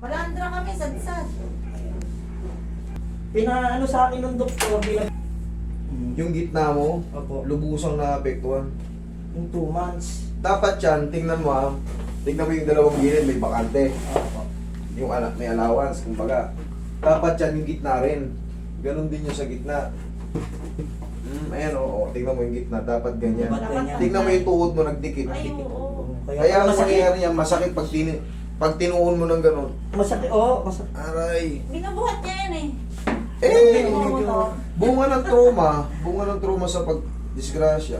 Malandra kami, sad-sad. Pinaano sa akin ng doktor, bilang... Yung gitna mo, Opo. lubusang naapektuhan. Yung 2 months. Dapat yan, tingnan mo ha. Tingnan mo yung dalawang gilid, may bakante. Opo. Yung may allowance, kumbaga. Dapat yan yung gitna rin. Ganon din yung sa gitna. Ayan o, tingnan mo yung gitna. Dapat ganyan. Dapat ganyan. Tingnan mo yung tuhod mo, nagdikit. Ay, oo. Kaya ang masakit. mangyayari yan, masakit pag tinuon mo ng ganon. Masakit, oo. Masakit. Aray. Binubuhat niya yan eh. Eh, medyo... bunga ng trauma sa pagdisgrasya.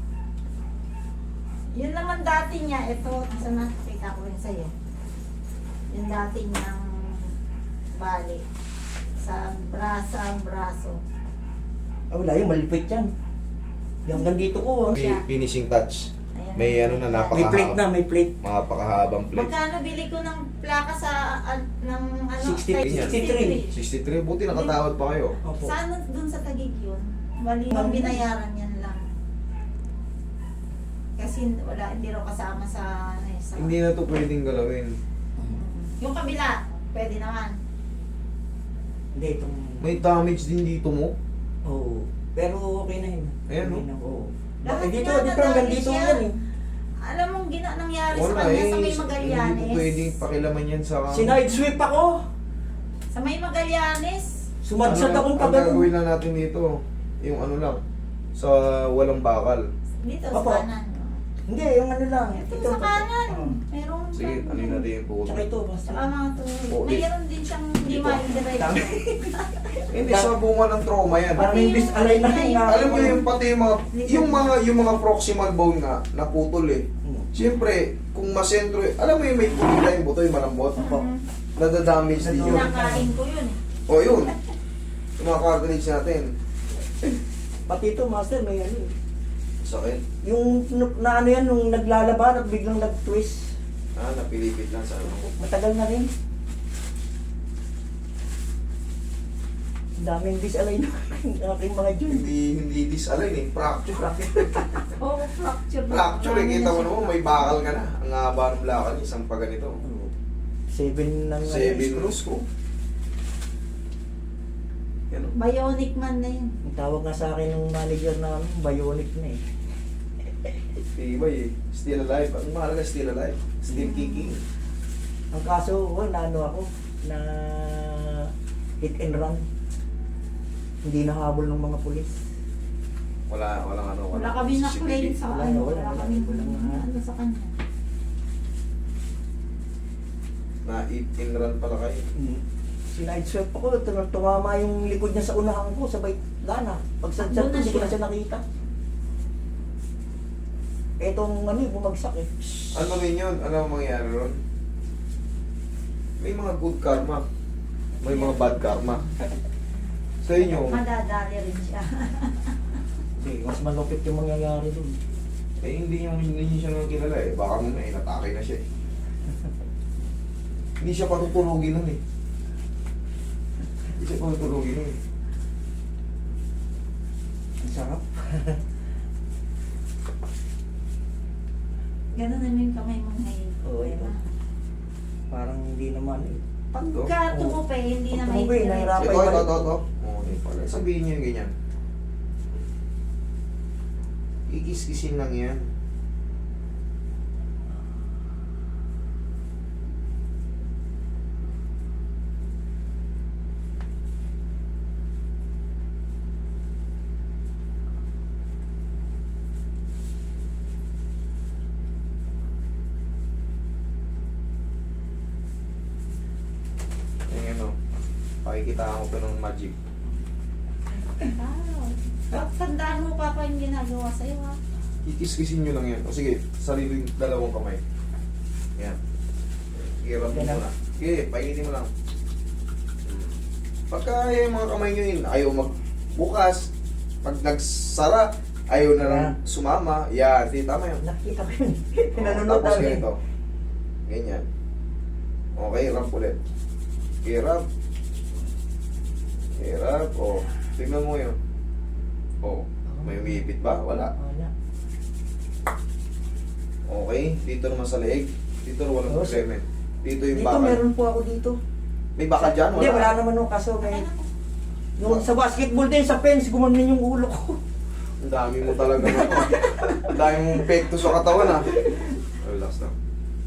Yun naman dati niya, ito, sana nakita ko rin sa'yo. Yung dati niyang bali sa braso. Ah, wala yung malipit yan. Yung hanggang dito ko. Finishing touch. Ayan. May ano na May plate na, may plate. Napakahabang plate. Magkano bili ko ng plaka sa, ng ano? 63. 63. Buti nakatawad pa kayo. Opo. Saan dun sa Taguig yun? Bali, ang binayaran yan lang. Kasi wala, hindi raw kasama sa, ano, sa Hindi na to pwedeng galawin. yung kabila, pwede naman. Hindi, itong... May damage din dito mo. Oo. Pero okay na yun. Ayan, Okay no? na, oo. Lahat Dito, nga dito hanggang nadamage dito yan. yan eh. Alam mong nangyari sa Wala kanya eh. sa may Hindi po Magallanes. pwedeng pakilaman yan sa... Sinide sweep ako. Sa may Magallanes. Sumadsad akong Ang pagano. gagawin na natin dito, yung ano lang, sa walang bakal. Dito Opo. sa kanan. Hindi, yung ano lang. Ito sa kanan. Oo. Meron. Sige, ano yun natin yung tuhod. Tsaka ito, basta. Saka mga to. Oo, Mayroon din siyang hindi Dito. ma-indirecto. Dami. Hindi, sa bunga ng trauma yan. Parang yung disalay na rin nga. Alam niyo yung pati yung mga proximal bone nga, naputol eh. Siyempre, kung masentro, alam mo yung may pulita yung buto, yung malambot, Opo. nadadamage din yun. Kinakain ko yun eh. O yun, yung mga cartilage natin. Pati ito, master, may ano eh. Sakit. Yung na ano yan, nung naglalaban at biglang nag-twist. Napilipit lang sa ano. Matagal na rin. Daming disalay na aking mga dyan. Hindi disalign eh, fracture. Oo, fracture. Fracture eh, kita mo naman, may bakal ka na. Ang haba ng lakad, isang pa ganito. 7 ng 7 screw. screws ko. Yan o. Bionic man na yun. Ang tawag nga sa akin ng manager namin, bionic na eh. Tibay eh. Still alive. Ang mahalaga, still alive. Still kicking. Ang kaso, naano ako, na hit and run. Hindi nahabol ng mga pulis. Walang ano. Wala kami na CCTV. claim sa Wala, ano. wala, Wala wala. kami Wala. ano sa kanya. Na eat and run pala kayo. Sinide-swept ako, tumama yung likod niya sa unahan ko, sabay gana. Pag sa Doon na hindi ko na siya. siya nakita. Etong ano, bumagsak eh. Ano rin yun? Ano ang mangyayari ron? May mga good karma. May mga bad karma. Sa inyo, Madadali rin siya. Hindi, mas malupit yung mangyayari dun. hindi niyo siya nang kilala eh. Baka mo na inatake na siya eh. Hindi siya patutulogin nun eh. Hindi siya patutulogin nun eh. Ang sarap. Ganun naman yung kamay mo ngayon. Oo, ito. Parang hindi naman eh. Pagka tumupe, hindi na Pag may tumupe, nahirapan. Ito. Oo, di pala. Sabihin niyo yung ganyan. Ikis-kisin lang yan. Yung ano, pakikita ko ng magic. Tandaan mo pa yung ginagawa sa'yo ha. Kikis-kisin nyo lang yan. O sige, sariling dalawang kamay. Yan. Hirap mo muna. Sige, painitin mo lang. Pagka yung mga kamay nyo yun, ayaw magbukas. Pag nagsara, ayaw na lang sumama. Yan, di tama yun. Nakita ko yun. O, Pinanonood tapos namin. ganito. Ganyan. Okay, ramp ulit. Okay, ramp. Okay, ramp. O, tignan mo yun. O, may umipit ba? Wala. Wala. Okay, dito naman sa leeg. Dito na walang Oh, problema. Dito yung Dito bakal. meron po ako dito. May bakal dyan? Hindi, wala naman no, kaso may... Yung sa basketball din, sa fence, gumanon yung ulo ko. Ang dami mo talaga na. Ang dami mong pekto sa katawan ha. Relax lang.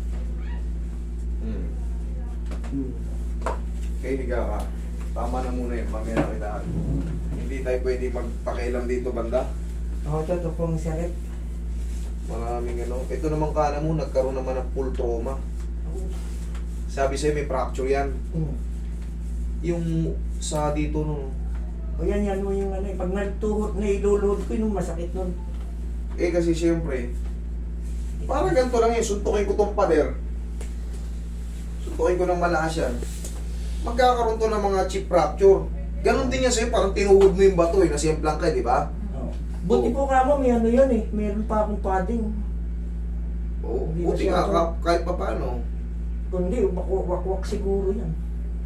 Okay, higa ka. Tama na muna yun, mamaya na kita. Hindi tayo pwede magpakialam dito banda. Ako ito pong sakit. Maraming ano. Ito naman kana mo, nagkaroon naman ng full trauma. Sabi sa'yo may fracture yan. Yung sa dito no. O yan mo yung ano, pag nagtuhot na iluluhod ko, yung masakit nun. Eh kasi siyempre, parang ganito lang yun, suntukin ko tong pader. Suntukin ko ng malakas yan. Magkakaroon to ng mga chip fracture. Ganon din yan sa'yo, parang tinuhod mo yung bato eh, nasimplang ka, di ba? Buti po ka mo, may ano yun eh, meron pa akong padding. Oo, Hindi buti masyado. nga, kahit pa paano. Kundi, wakwak siguro yan.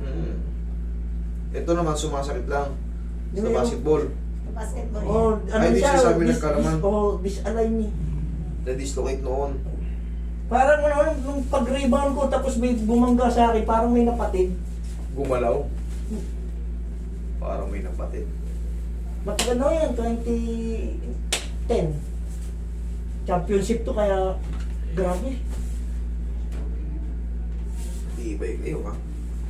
Ito naman, sumasakit lang. Sa Yung- basketball. Sa basketball yan. Oh, ano Ay, di siya, siya sabi nagkalaman. disalign eh. Na-dislocate noon. Parang ano, nung pag-rebound ko, tapos may bumangga sa akin, parang may napatid. Gumalaw. Parang may napatid. Matagal na yan, 2010. Championship to, kaya grabe. Tibay kayo ha.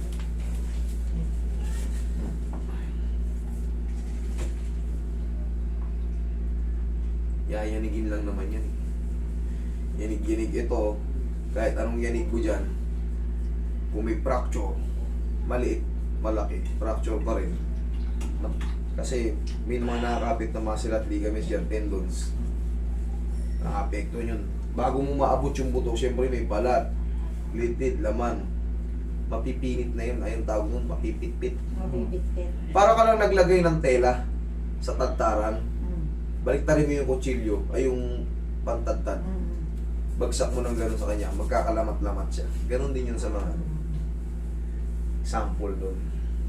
Yayanigin lang naman yan. Yanig-yanig ito. Kahit anong yanig ko dyan. Kung may fracture, maliit, malaki, fracture pa rin. Kasi may mga nakakapit na muscle at ligaments dyan, tendons. Nakapekto yun. Bago mo maabot yung buto, syempre may balat, litid, laman. Mapipinit na yun. Ayun tawag nun, mapipitpit. Mabibitbit. Para ka lang naglagay ng tela sa tagtaran. Mm. Baliktarin mo yung kutsilyo, ay yung pantagtad. Mm. Bagsak mo ng gano'n sa kanya, magkakalamat-lamat siya. Ganon din yun sa mga sample doon.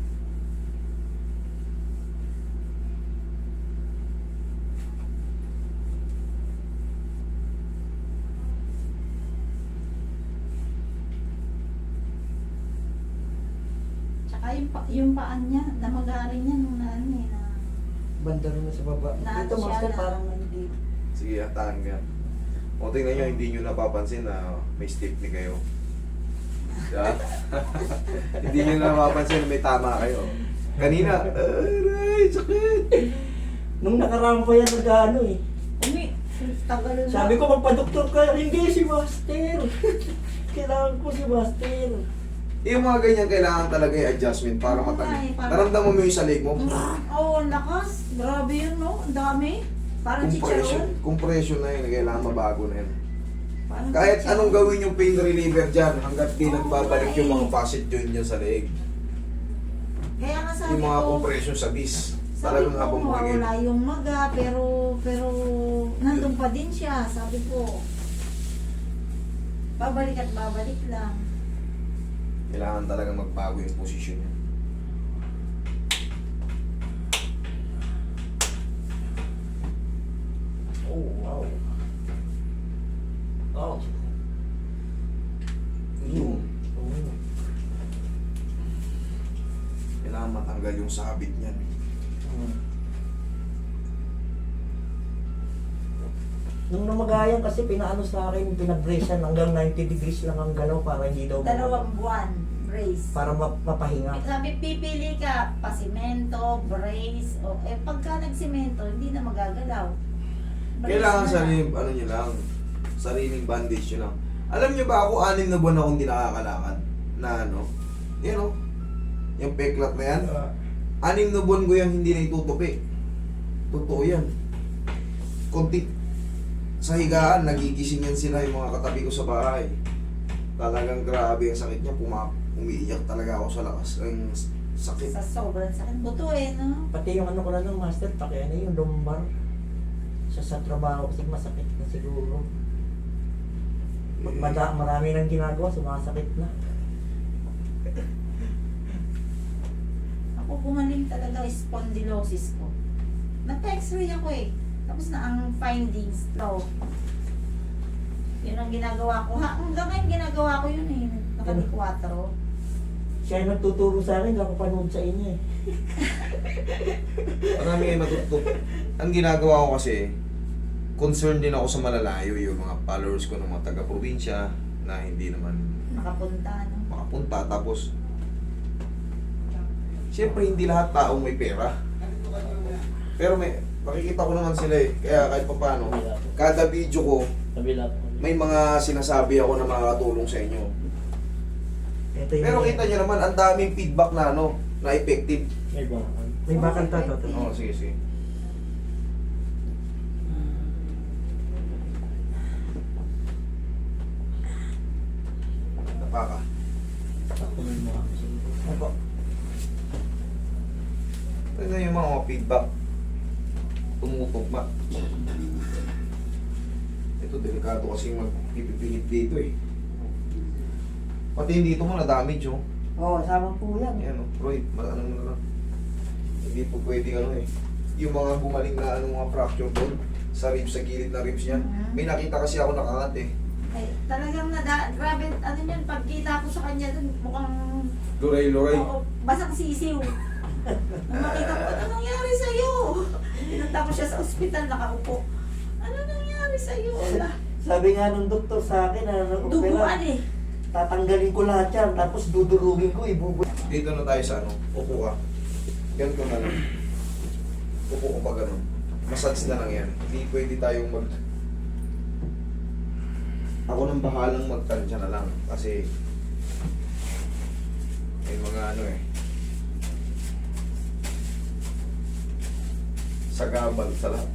Tsaka yung paan niya, namagarin niya nung na ano eh, na Banda rin na sa baba. Na- Dito, siya master, na- parang hindi. Sige, hatahan ka. O tingnan nyo, hindi nyo napapansin na may stiffness kayo. Diba? Hindi nyo napapansin na may tama kayo. Kanina, aray, sakit! Nung nakaraan pa yan nag-ano eh. tagal na. Sabi ko, magpa-doktor ka. Hindi, si master. Kailangan ko si master. Yung mga ganyan, kailangan talaga yung adjustment para Oo nga matali. eh, para- Naramdaman mo yung sa leg mo? Oo, ang lakas. Grabe yun, no? Ang dami. Parang Compression. chicharon. Compression na yun, kailangan mabago na yun. Parang Kahit chicharon. anong gawin yung pain reliever dyan, hanggat di Oo, nagbabalik nga yung mga eh. facet joint dyan sa leg. Kaya nga sabi Yung mga ko, compression sa disc. sabi Talagang ko, habang mawala bumigay. yung maga, pero nandun pa din siya. Sabi ko, babalik at babalik lang. Kailangan talagang magbago yung posisyon niya. Oh, wow. Oh. Yun. Oh. Kailangan matanggal yung sabit niyan. Nung namagayan kasi pinaano sa akin, pinag-bracean hanggang 90 degrees lang ang galaw para hindi daw 2 buwan, brace. para mapahinga. Sabi, pipili ka, pasimento, brace, o pagka nagsimento, hindi na magagalaw. Brace Kailangan na sariling, ano nyo lang, sariling bandage nyo lang. Alam nyo ba ako, 6 na buwan akong hindi nakakalakad na ano, yun o, yung peklat na yan, 6 na buwan ko yung hindi na itutupi. Totoo yan. Kunti, sa higaan, nagigising yan sila yung mga katabi ko sa bahay. Talagang grabe ang sakit niya, umiiyak talaga ako sa lakas. Ang sakit. Sa sobrang sakit. Buto no? Pati yung ano ko na ng master, paki ano yung lumbar. Sa trabaho kasi masakit na siguro. Marami nang ginagawa, sumasakit na. Ako gumaling talaga spondylosis ko. Nagpa-x-ray ako eh. Tapos na ang findings low. Yun ang ginagawa ko. Hanggang ngayon ginagawa ko yun eh. Naka 4. Siya yung nagtuturo sa akin, kakapanood sa inyo eh. Marami kayo matutup. Ang ginagawa ko kasi, concerned din ako sa malalayo, yung mga followers ko ng mga taga-probinsya na hindi naman Nakapunta, no? makapunta. Tapos, siyempre hindi lahat taong may pera. Pero makikita ko naman sila eh. Kaya kahit pa paano, kada video ko, Kabila po. may mga sinasabi ako na makakatulong sa inyo. Ito yung... Pero kita nyo naman, ang daming feedback na ano, na effective. May bakal to. Oo, sige, sige. Napaka. Opo. Tignan yung mga feedback. Tumutugma. Ito, delikado kasi magpipihit dito eh. Pati dito mo na-damage oh. Oo, sama po yan. Yan oh, Roy, ano mo na lang. Hindi po pwedeng ano eh. Yung mga gumaling na ano, mga fracture doon sa ribs, sa gilid na ribs niya. May nakita kasi ako nakangat eh. Ay, talagang grabe, ano yun, pagkita ko sa kanya dun, mukhang, Luray-luray. oo, basang sisiw. Nung makita ko, ano nangyari sa'yo? Pinunta ko siya sa ospital, nakaupo. Ano nangyari sa'yo? Sabi nga nung doktor sa akin, Duguan eh. tatanggalin ko lahat yan, tapos dudurugin ko, ibubuhay. Dito na tayo sa ano, upo ka. Yan ko na lang. Upo ko pa ganun. Massage na lang yan. Hindi pwede tayong mag... Ako nang bahalang magtansya na lang. Kasi... may mga ano eh. Sagabal sa lahat.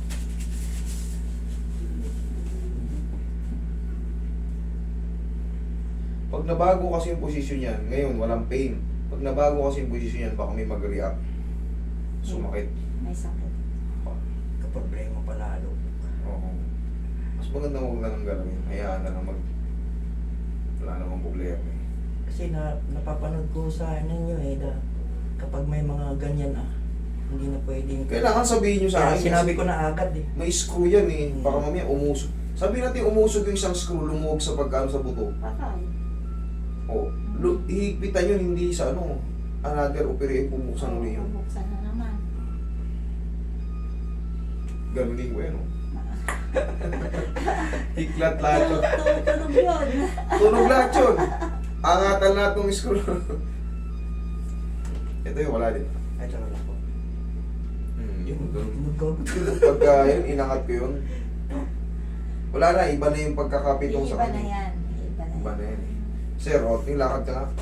Pag nabago kasi yung posisyon yan, ngayon walang pain. Pag nabago kasi yung posisyon yan, baka may mag-react. Sumakit. May sakit. Kaproblema panalo. Oo. Mas maganda huwag na lang galawin. Hayaan na lang wala namang problema eh. Kasi napapanood ko sa ninyo eh, kapag may mga ganyan hindi na pwedeng... Kailangan sabihin nyo sa Kaya akin. sinabi kasi ko na agad eh. may screw yan eh. Baka mamaya umusog. Sabihin natin umusog yung isang screw, lumuwag sa pagkano sa buto. Patay. O, hihigpitan yun, hindi sa ano, another operate, bubuksan ulit yun. Bubuksan na naman. Ganunin ko yan, oh. Hiklat lahat yun. Tunog yun. Tunog lahat yun. Angatan lahat ng screw. Ito yung wala din. Ay, tsaka lang po. Yun, ganun. Nagkakot. Pagka yun, inangat ko yun. Wala na, iba na yung pagkakapitong sa Iba na kanya. yan. Iba na Iba na yan. yan eh. Sir, Otting, lakad ka nga.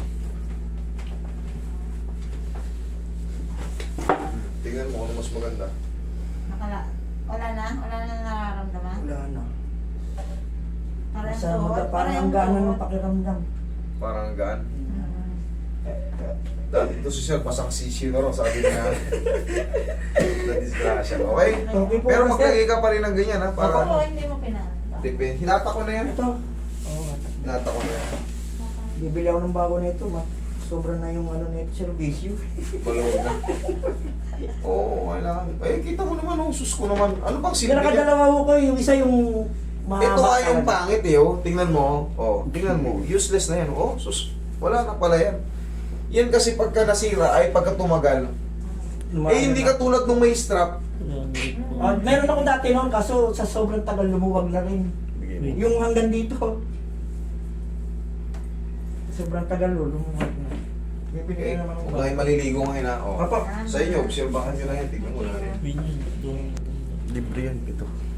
Tingnan mo ano mas maganda. Wala na nararamdaman. Wala na. Parang Sa tuhod, parang ang yung gana tuhod. ng pakiramdam. Parang gaan. Mm. Dati ito si Sir, pasang sisiyo na rin, sabi niya. Na-disgrasya. Okay? Okay po, Pero sir. maglagay ka pa rin ng ganyan ha. Para Oo, hindi mo pinanta. depende. Hinata ko na yan. Ito. Oo. Hinata ko na yan. Bibili ako ng bago nito, sobra na yung ano nito, servisyo. Balawag na. Oo, kailangan. Eh, kita mo naman, oh, sus ko naman. Ano bang Sige, silbi niya? nakadalawa ko kayo, yung isa yung mahaba. Ito nga yung talaga. pangit eh, oh. Tingnan mo, oh. Tingnan mo. Useless na yan. Oh, sus. Wala na pala yan. Yan kasi pagka nasira ay pagka tumagal. Eh, hindi ka tulad nung may strap. Meron ako dati noon, kaso sa sobrang tagal lumuwag na rin. Yung hanggang dito. Sobrang tagal lumuwag na. Bibili Okay, naman ako. huwag na kayo maliligo ngayon ha. Oh. Papa. Sa inyo, obserbahan nyo na yan. Tignan mo na yan. Yun yun. Libre yan, ito.